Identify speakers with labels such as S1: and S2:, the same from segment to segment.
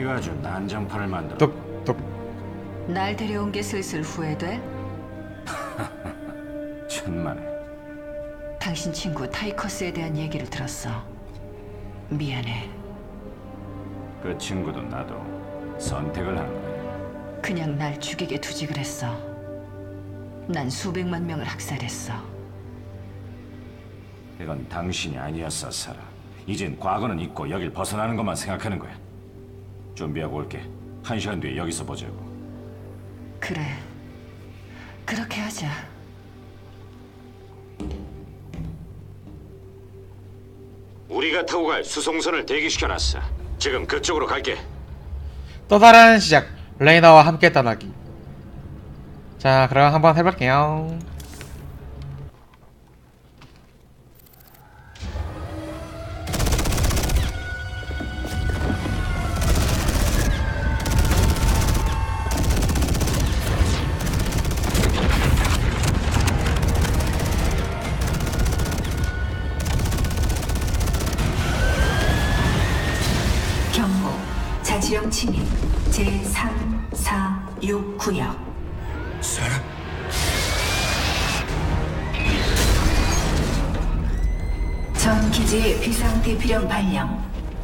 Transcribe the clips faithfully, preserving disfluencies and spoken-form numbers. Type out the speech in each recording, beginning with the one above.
S1: 아주 난장판을 만들어.
S2: 똑똑.
S3: 날 데려온 게 슬슬 후회돼?
S1: 천만에.
S3: 당신 친구 타이커스에 대한 얘기를 들었어. 미안해.
S1: 그 친구도 나도 선택을 한 거야.
S3: 그냥 날 죽이게 두지 그랬어. 난 수백만 명을 학살했어.
S1: 이건 당신이 아니었어, 사라. 이젠 과거는 잊고 여길 벗어나는 것만 생각하는 거야. 준비하고 올게. 한 시간 뒤에 여기서 보자고.
S3: 그래. 그렇게 하자.
S1: 우리가 타고 갈 수송선을 대기시켜놨어. 지금 그쪽으로 갈게.
S2: 또 다른 시작. 레이나와 함께 떠나기. 자, 그럼 한번 해볼게요.
S4: 경고, 자치령 침입 제삼, 사, 육 구역.
S1: 사라?
S4: 전 기지의 비상 대피령 발령.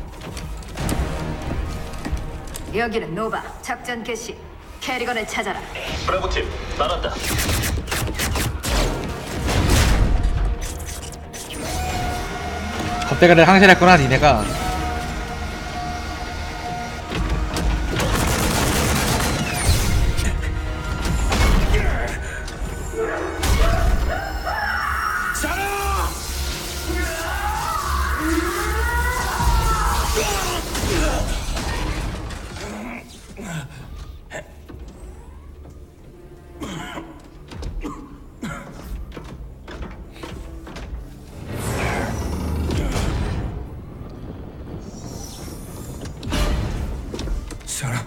S3: 여기는 노바. 작전 개시. 캐리건을 찾아라.
S5: 브라보팀 나란다.
S2: 겁대가를 항실했구나 니네가.
S1: 사라?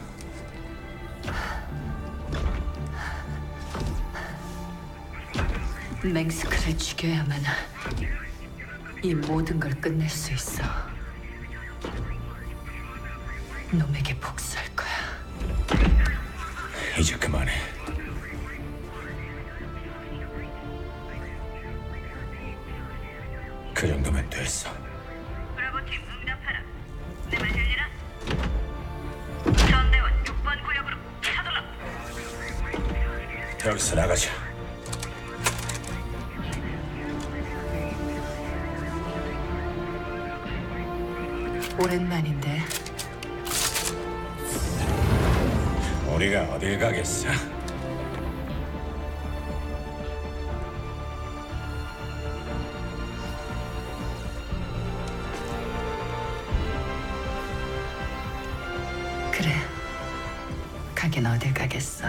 S3: 맹스크를 죽여야만 이 모든 걸 끝낼 수 있어. 놈에게 복수할 거야.
S1: 이제 그만해. 그 정도면 됐어.
S6: 브라보팀 응답하라. 내 말 들리나? 전대원 육 번 구역으로 차돌라.
S1: 여기서 나가자.
S3: 오랜만인데.
S1: 우리가 어딜 가겠어?
S3: 그래. 가긴 어딜 가겠어.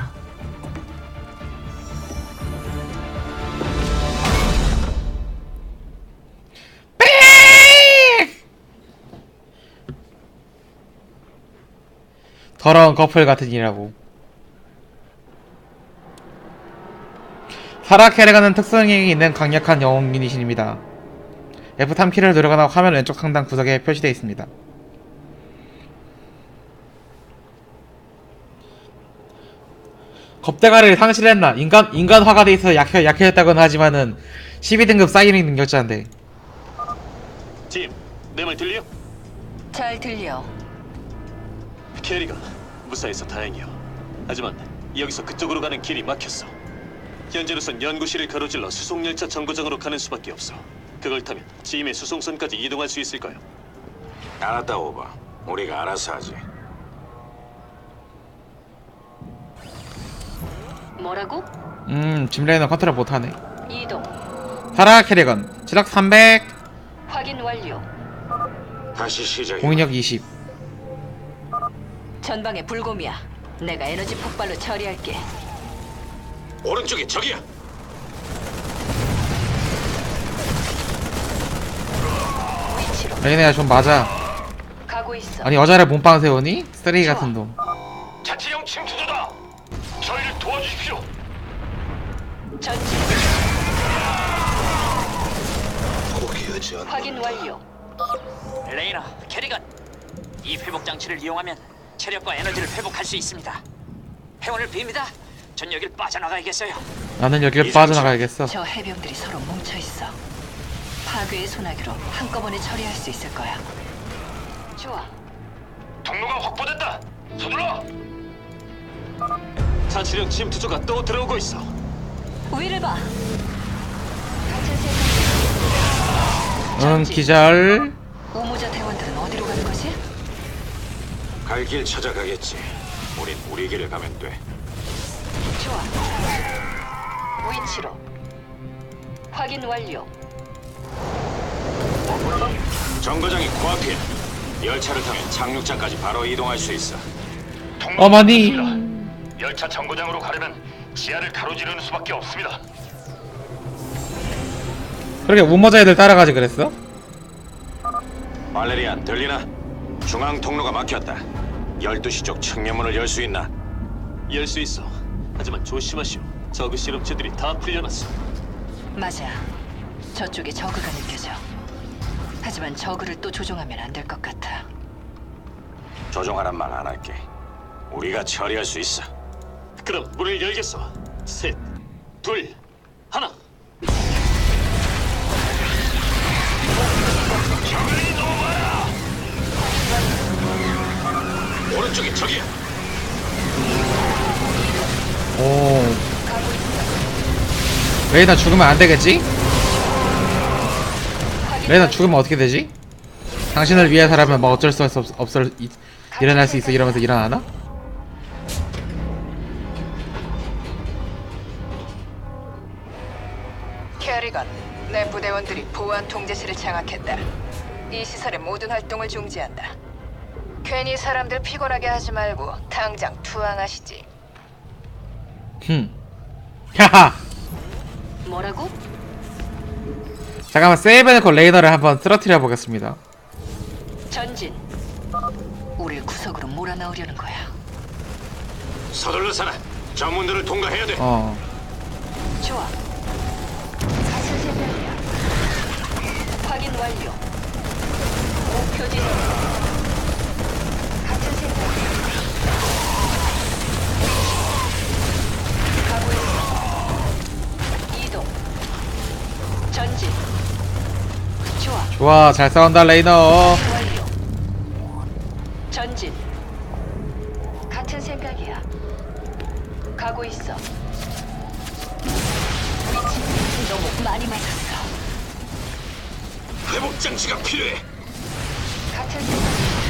S2: 더러운 커플 같은 이라고. 사라 캐리건은 특성이 있는 강력한 영웅 유닛입니다. 에프 삼 키를 누르거나 화면 왼쪽 상단 구석에 표시되어 있습니다. 겁대가를 상실했나? 인간, 인간화가 돼 있어 약해, 약해졌다고는 하지만은 십이 등급 사이링 능력자인데.
S5: 팀, 내 말 들려?
S3: 잘 들려.
S5: 캐리가 무사해서 다행이요. 하지만 여기서 그쪽으로 가는 길이 막혔어. 현재로선 연구실을 가로질러 수송열차 정거장으로 가는 수밖에 없어. 그걸 타면 지임의 수송선까지 이동할 수 있을까요?
S1: 알았다, 오바. 우리가 알아서 하지.
S3: 뭐라고?
S2: 음, 짐레이는 컨트롤 못하네.
S3: 이동.
S2: 사라 캐리건 지력 삼백,
S3: 확인 완료.
S1: 다시 시작해.
S2: 공인력 이십.
S3: 전방에 불곰이야. 내가 에너지 폭발로 처리할게.
S1: 오른쪽에 적이야.
S3: 위치로
S2: 레이나야 좀 맞아.
S3: 가고 있어.
S2: 아니 여자를 몸빵 세우니? 쓰레기 같은 놈.
S5: 자치령 침투조다. 저희를 도와주십시오.
S3: 전진.
S1: 포기하지 않는다.
S3: 확인 완료.
S7: 레이나, 캐리건, 이 회복 장치를 이용하면 체력과 에너지를 회복할 수 있습니다. 행운을 빕니다. 전 여길 빠져나가야겠어요.
S2: 나는 여길 빠져나가야겠어.
S3: 저 해병들이 서로 뭉쳐 있어. 파괴의 소나기로 한꺼번에 처리할 수 있을 거야. 좋아.
S7: 통로가 확보됐다. 서둘러.
S5: 자치령 침투조가 또 들어오고 있어.
S3: 위를 봐.
S2: 응, 기절.
S3: 우모자 대원들은 어디로 가는 거지?
S1: 갈 길 찾아가겠지. 우린 우리 길을 가면 돼.
S3: 좋아. 위치로. 확인 완료.
S1: 정거장이 코앞이야. 열차를 타면 착륙장까지 바로 이동할 수 있어.
S2: 어머니.
S7: 열차 정거장으로 가려면 지하를 가로지르는 수밖에 없습니다.
S2: 그렇게 우모자 애들 따라가지 그랬어?
S1: 발레리안 들리나? 중앙 통로가 막혔다. 열두 시 쪽 측면문을 열 수 있나?
S5: 열 수 있어. 하지만 조심하시오. 저그 실험체들이 다 풀려났어.
S3: 맞아. 저쪽에 저그가 느껴져. 하지만 저그를 또 조종하면 안 될 것 같아.
S1: 조종하란 말 안 할게. 우리가 처리할 수 있어.
S5: 그럼 문을 열겠어. 셋, 둘, 하나.
S1: 오른쪽에 적이야.
S2: 오. 레이나 죽으면 안 되겠지? 레이나 죽으면 어떻게 되지? 당신을 위해서라면 뭐 어쩔 수 없, 없어 이, 일어날 수 있어 이러면서 일어나나?
S8: 캐리건, 내 부대원들이 보안 통제실을 장악했다. 이 시설의 모든 활동을 중지한다. 괜히 사람들 피곤하게 하지 말고 당장 투항하시지.
S2: 흠. 하하.
S3: 뭐라고?
S2: 잠깐만 세이브해놓고 레이너를 한번 쓰러뜨려 보겠습니다.
S3: 전진. 우릴 구석으로 몰아넣으려는 거야.
S1: 서둘러 살아. 저 문들을 통과해야 돼.
S2: 어.
S3: 좋아. 확인 완료. 목표 지점. 같은 생각이야. 가고 있어. 이동. 전진. 좋아.
S2: 좋아, 잘 싸운다 레이너.
S3: 완료. 전진. 같은 생각이야. 가고 있어. 위치 너무 많이 맞았어.
S1: 회복 장치가 필요해.
S3: 같은 생각.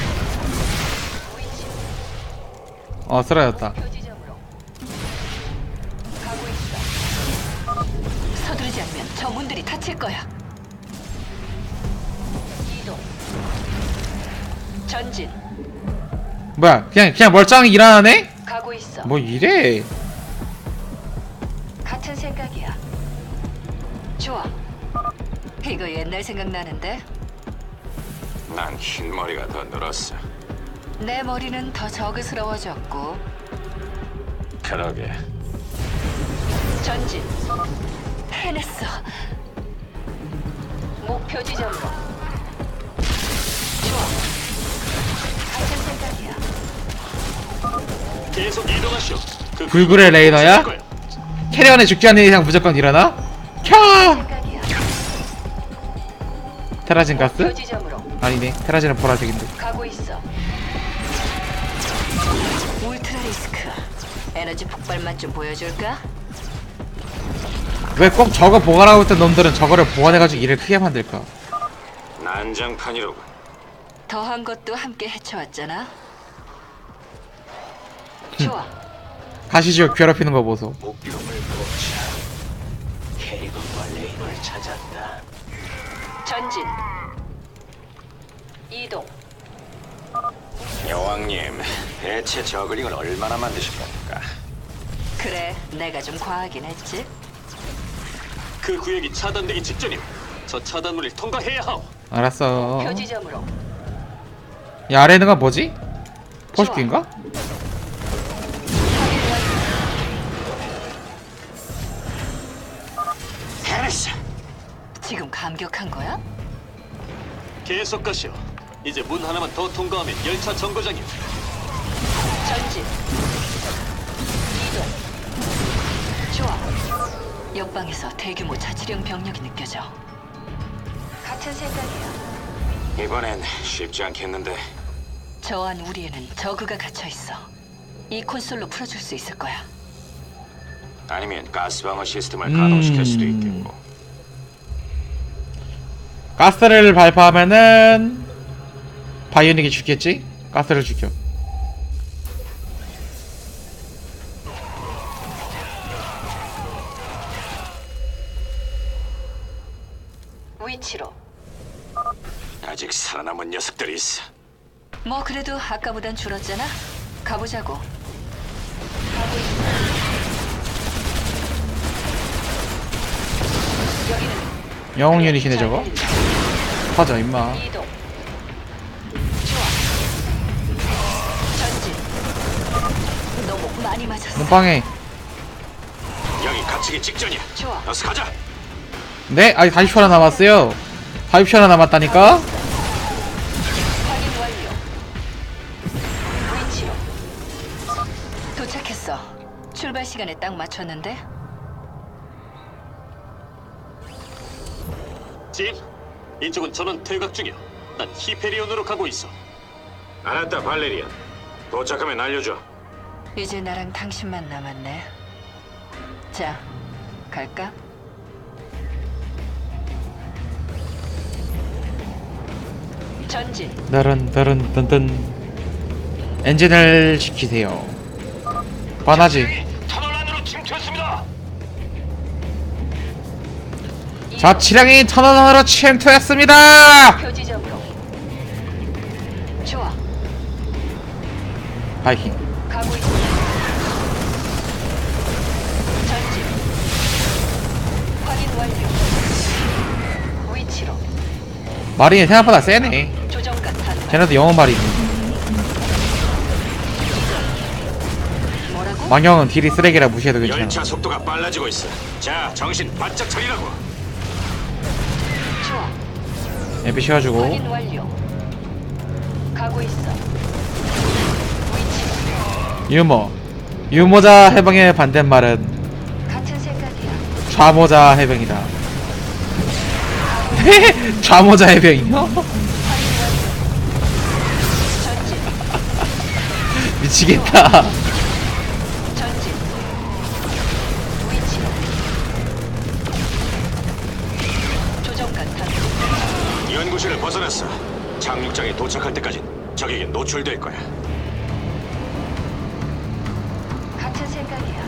S3: 위치
S2: 어, 쓰러졌다.
S3: 표지점으로. 가고 있어. 서두르지 않으면 저 문들이 닫힐 거야. 이동. 전진.
S2: 뭐야, 그냥 그냥 멀쩡히 일어나네?
S3: 가고 있어.
S2: 뭐 이래?
S3: 같은 생각이야. 좋아. 이거 옛날 생각나는데?
S1: 난 흰머리가 더 늘었어.
S3: 내 머리는 더 저그스러워졌고.
S1: 그러게.
S3: 전진. 해냈어. 목표 지점으로. 좋아. 같은 생각이야.
S5: 계속 이동하시오. 그
S2: 불굴의 레이너야?
S5: 거야.
S2: 캐리어는 죽지 않는 이상 무조건 일어나? 캬!
S3: 생각이야.
S2: 테라진
S3: 목표
S2: 가스?
S3: 지점으로.
S2: 아니네, 테라진은 보라색인데.
S3: 가고 있어. 울트라 리스크. 에너지 폭발만 좀 보여줄까?
S2: 왜 꼭 저거 보관하고 있던 놈들은 저거를 보관해가지고 일을 크게 만들까?
S1: 난장판이로군.
S3: 더한 것도 함께 헤쳐왔잖아. 좋아.
S2: 가시지옥 괴롭히는 거 보소.
S7: 목표물 포착. 캐리건과 레이너를 찾았다.
S3: 전진. 이동.
S1: 여왕님, 대체 저글링을 얼마나 만드실 겁니까?
S3: 그래, 내가 좀 과하긴 했지.
S5: 그 구역이 차단되기 직전이오. 저 차단문을 통과해야 하오.
S2: 알았어.
S3: 표지점으로.
S2: 이 아래 있는 건 뭐지? 포식기인가?
S1: 해냈어.
S3: 지금 감격한 거야?
S5: 계속 가시오. 이제 문 하나만 더 통과하면 열차 정거장이오.
S3: 옆방에서 대규모 자치령 병력이 느껴져.
S8: 같은 생각이야.
S1: 이번엔 쉽지 않겠는데.
S3: 저 안 우리에는 저그가 갇혀 있어. 이 콘솔로 풀어줄 수 있을 거야.
S1: 아니면 가스방어 시스템을
S2: 음.
S1: 가동시킬 수도 있겠고.
S2: 가스를 발포하면은 바이오닉이 죽겠지? 가스를 죽여.
S8: 위치로.
S1: 아직 살아남은 녀석들이 있어.
S3: 뭐 그래도 아까보단 줄었잖아. 가보자고. 가고 있어. 여기는
S2: 영웅 유닛이네 저거. 터져 임마.
S3: 이동. 좋아. 전진. 너무 많이 맞았어.
S2: 눈빵에.
S1: 여기 갇히기 직전이야.
S3: 좋아.
S1: 어서 가자.
S2: 네? 아직 사십 초 하나 남았어요. 사십 초 하나 남았다니까?
S3: 확인 완료. 위치로. 도착했어. 출발 시간에 딱 맞췄는데.
S5: 짐, 이쪽은 전원 퇴각 중이야. 난 히페리온으로 가고 있어.
S1: 알았다, 발레리안. 도착하면 알려줘.
S3: 이제 나랑 당신만 남았네. 자, 갈까? 전진.
S2: 너른 너른 든든. 엔진을 시키세요. 반하지.
S5: 터널 안으로 침투했습니다.
S2: 자치령이 터널 안으로 침투했습니다.
S3: 표지점으로. 좋아.
S2: 바이킹.
S3: 가고 있어. 전진. 확인 완료. 위치로.
S2: 마린이 생각보다 세네.
S3: 조정관 탄.
S2: 쟤네도 영웅 마린이.
S3: 뭐라고?
S2: 망령은 딜이 쓰레기라 무시해도 괜찮아.
S1: 열차 속도가 빨라지고 있어. 자, 정신 바짝 차리라고.
S3: 좋아.
S2: 엠피 씌워주고.
S3: 확인 완료. 가고 있어. 위치로.
S2: 유머. 유모자 해병의 반대말은
S3: 같은 생각이야.
S2: 좌모자 해병이다. 좌모자 해병이요?
S3: 전진.
S2: 미치겠다.
S3: 전진. 위치로. 조정관 탄.
S1: 연구실을 벗어났어. 착륙장에 도착할 때까지 적에게 노출될 거야.
S8: 같은 생각이야.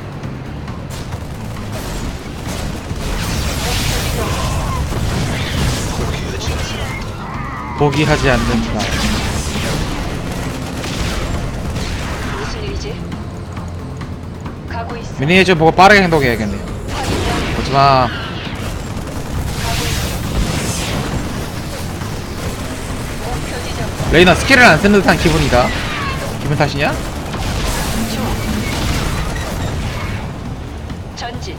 S2: 포기하지 않는다.
S3: 무슨 일이지? 가고 있어.
S2: 미니에이처 보고 빠르게 행동해야겠네. 하지마.
S3: 목표 지점.
S2: 레이나 스킬을 안 쓰는 듯한 기분이다. 기분 탓이냐?
S3: 전진.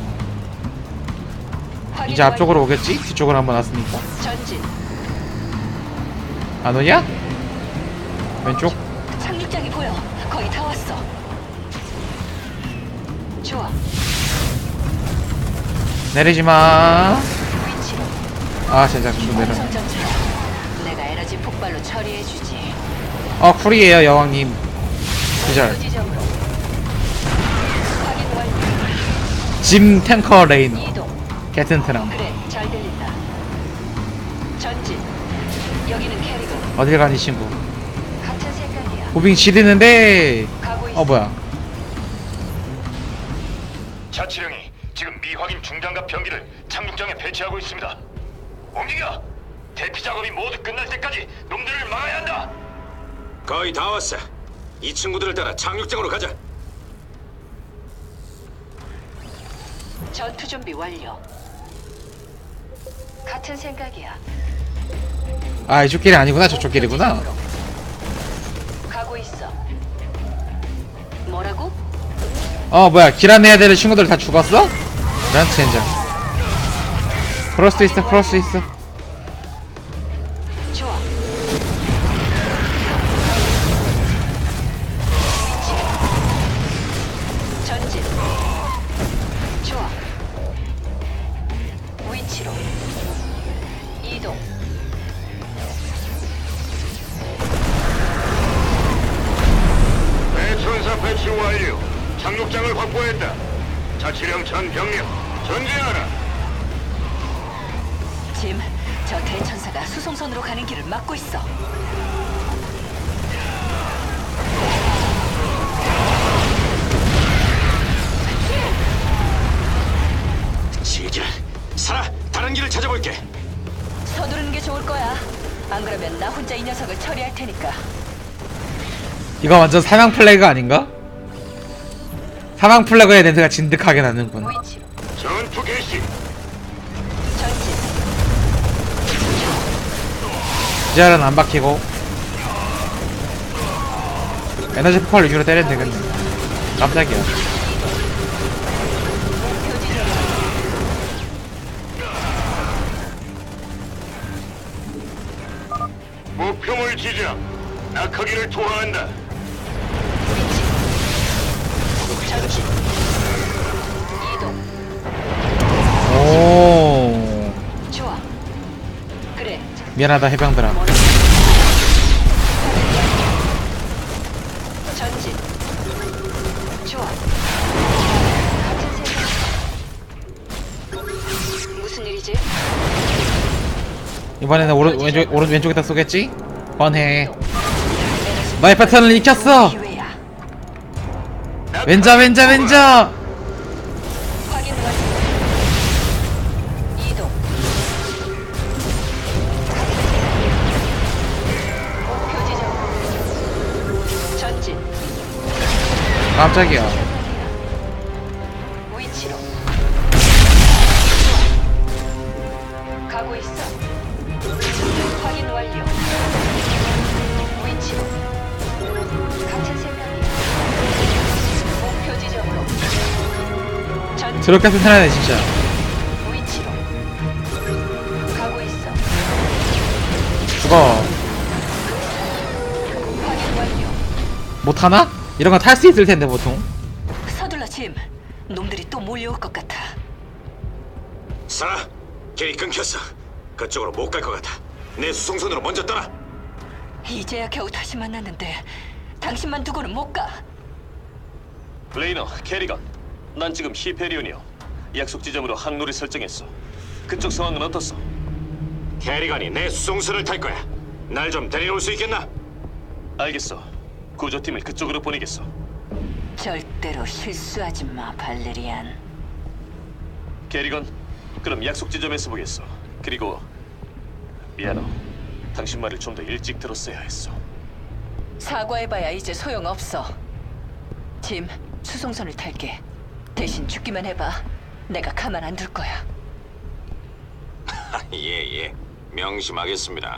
S3: 확인
S2: 이제 앞쪽으로 오겠지? 뒤쪽으로 한번 왔으니까.
S3: 완료. 전진.
S2: 안 오냐? 왼쪽?
S3: 착륙장이 보여. 거의 다 왔어. 좋아.
S2: 내리지마.
S3: 위치로.
S2: 아 진짜 좀 내려.
S3: 완성 전투야. 내가 에너지 폭발로 처리해주지.
S2: 어 쿨이에요 여왕님. 기절.
S3: 지점으로. 확인 완료.
S2: 짐 탱커 레이너.
S3: 이동.
S2: 게튼트람.
S3: 그래, 잘 들린다. 전진. 여기는 캐리건.
S2: 어딜 가니 친구.
S8: 같은 생각이야.
S2: 무빙 지르는데.
S3: 가고 있어.
S2: 어 뭐야?
S5: 자치령이 지금 미확인 중장갑 병기를 착륙장에 배치하고 있습니다. 움직여! 대피 작업이 모두 끝날 때까지 놈들을 막아야 한다.
S1: 거의 다 왔어. 이 친구들을 따라 착륙장으로 가자.
S3: 전투 준비 완료.
S8: 같은 생각이야.
S2: 아 이쪽 길이 아니구나 저쪽 길이구나.
S3: 가고 있어. 뭐라고?
S2: 어 뭐야 길 안내해야 되는 친구들 다 죽었어? 난 젠장. 그럴 수도 있어 그럴 수도 있어.
S3: 좋아. 전진. 좋아.
S9: 완료. 착륙장을 확보했다. 자치령 전 병력 전진하라.
S3: 짐, 저 대천사가 수송선으로 가는 길을 막고 있어.
S5: 지질. 살아. 다른 길을 찾아볼게.
S3: 서두르는 게 좋을 거야. 안 그러면 나 혼자 이 녀석을 처리할 테니까.
S2: 이거 완전 사망 플래그 아닌가? 사망 플래그의 냄새가 진득하게 나는군.
S3: 위치로
S9: 전투 개시.
S3: 전진.
S2: 기절은 안 박히고 에너지 폭발 위주로 때리면 되겠네. 깜짝이야.
S9: 목표물 지정. 낙하기를 투하한다.
S3: 전진. 이동.
S2: 오,
S3: 좋아. 그래.
S2: 미안하다 해병들아.
S3: 전진. 좋아. 같은 생각. 무슨 일이지?
S2: 이번에는 오른 왼쪽 오른 왼쪽에다 쏘겠지? 뻔해. 너의 패턴을 익혔어.
S3: 기회야.
S2: 왼자 왼자 왼자.
S3: 확인 완료. 이동. 목표 지점. 전진.
S2: 깜짝이야.
S3: 위치로. 가고 있어. 확인 완료. 위치로. 같은 생각이야. 목표 지점으로. 전진.
S2: 드럽게 튼튼하네 진짜.
S3: 위치로. 가고 있어.
S2: 죽어.
S3: 확인 완료.
S2: 못하나? 이런 거 탈 수 있을 텐데 보통.
S3: 서둘러 짐. 놈들이 또 몰려올 것 같아.
S5: 살아. 길이 끊겼어. 그쪽으로 못 갈 것 같아. 내 수송선으로 먼저 떠나.
S3: 이제야 겨우 다시 만났는데 당신만 두고는 못 가.
S5: 레이너, 캐리건. 난 지금 히페리온이요. 약속 지점으로 항로를 설정했어. 그쪽 상황은 어떻소? 캐리건이 내 수송선을 탈 거야. 날 좀 데려올 수 있겠나? 알겠어. 구조팀을 그쪽으로 보내겠어.
S3: 절대로 실수하지 마, 발레리안.
S5: 캐리건, 그럼 약속 지점에서 보겠어. 그리고 미안해. 당신 말을 좀 더 일찍 들었어야 했어.
S3: 사과해봐야 이제 소용없어. 짐, 수송선을 탈게. 대신 죽기만 해봐. 내가 가만 안 둘 거야.
S5: 예, 예. 명심하겠습니다.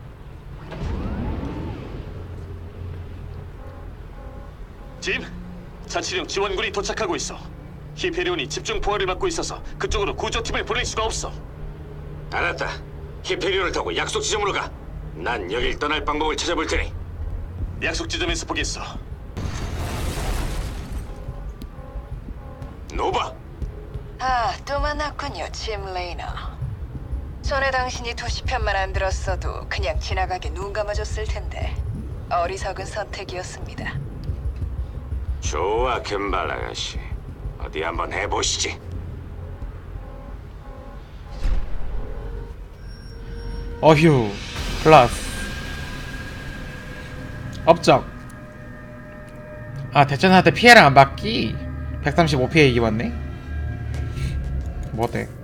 S5: 짐, 자치령 지원군이 도착하고 있어. 히페리온이 집중 포화를 받고 있어서 그쪽으로 구조팀을 보낼 수가 없어. 알았다. 히페리온을 타고 약속 지점으로 가. 난 여길 떠날 방법을 찾아볼 테니. 약속 지점에서 보겠어. 노바.
S8: 아, 또 만났군요, 짐 레이너. 전에 당신이 도시편만 안 들었어도 그냥 지나가게 눈 감아줬을 텐데 어리석은 선택이었습니다.
S5: 좋아, 금발 아가씨. 어디 한번 해보시지.
S2: 어휴. 플러스. 업적. 아, 대천한테 피해랑 안 받기. 백삼십오 피해 이기 받네. 뭐대?